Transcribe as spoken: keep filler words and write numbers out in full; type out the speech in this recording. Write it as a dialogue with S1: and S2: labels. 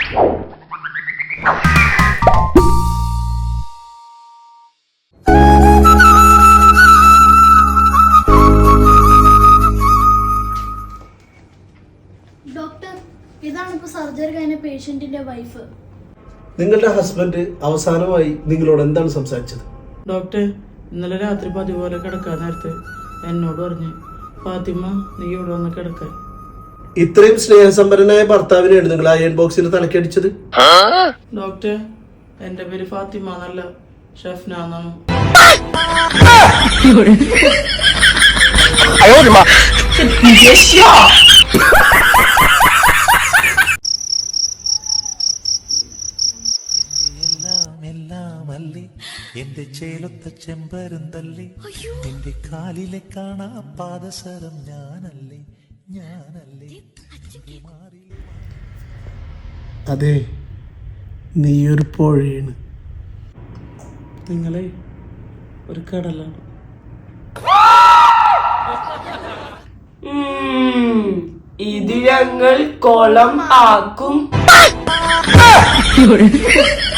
S1: Doctor, ഇതാണ് ഇപ്പൊ surgery കഴിഞ്ഞ പേഷ്യന്റിന്റെ വൈഫ്.
S2: നിങ്ങളുടെ ഹസ്ബൻഡ് അവസാനമായി നിങ്ങളോട് എന്താണ് സംസാരിച്ചത്?
S3: ഡോക്ടർ, ഇന്നലെ രാത്രി പതിവ് പോലെ കിടക്കാൻ നേരത്തെ എന്നോട് പറഞ്ഞു, ഫാത്തിമ നീ ഇവിടെ വന്ന് കിടക്കാൻ.
S2: ഇത്രയും സ്നേഹസമ്പന്നനായ ഭർത്താവിനെയാണ് നിങ്ങൾ അയൺ ബോക്സിൽ തലക്കടിച്ചത്?
S3: ഡോക്ടർ, എന്റെ പേര് ഫാത്തിമ എന്നല്ല, ഷെഫ്ന എന്നാണ്.
S4: എന്റെ ചേലൊത്ത ചെമ്പരുന്തല്ലേ, എന്റെ കാലിലെ കാണാ പാദസരം ഞാനല്ലേ ഞാനല്ലേ.
S2: അതെ, നീയൊരു പുഴയാണ്.
S3: നിങ്ങളെ ഒരു കടലാണ്.
S5: ഇത് ഞങ്ങൾ കുളം ആക്കും.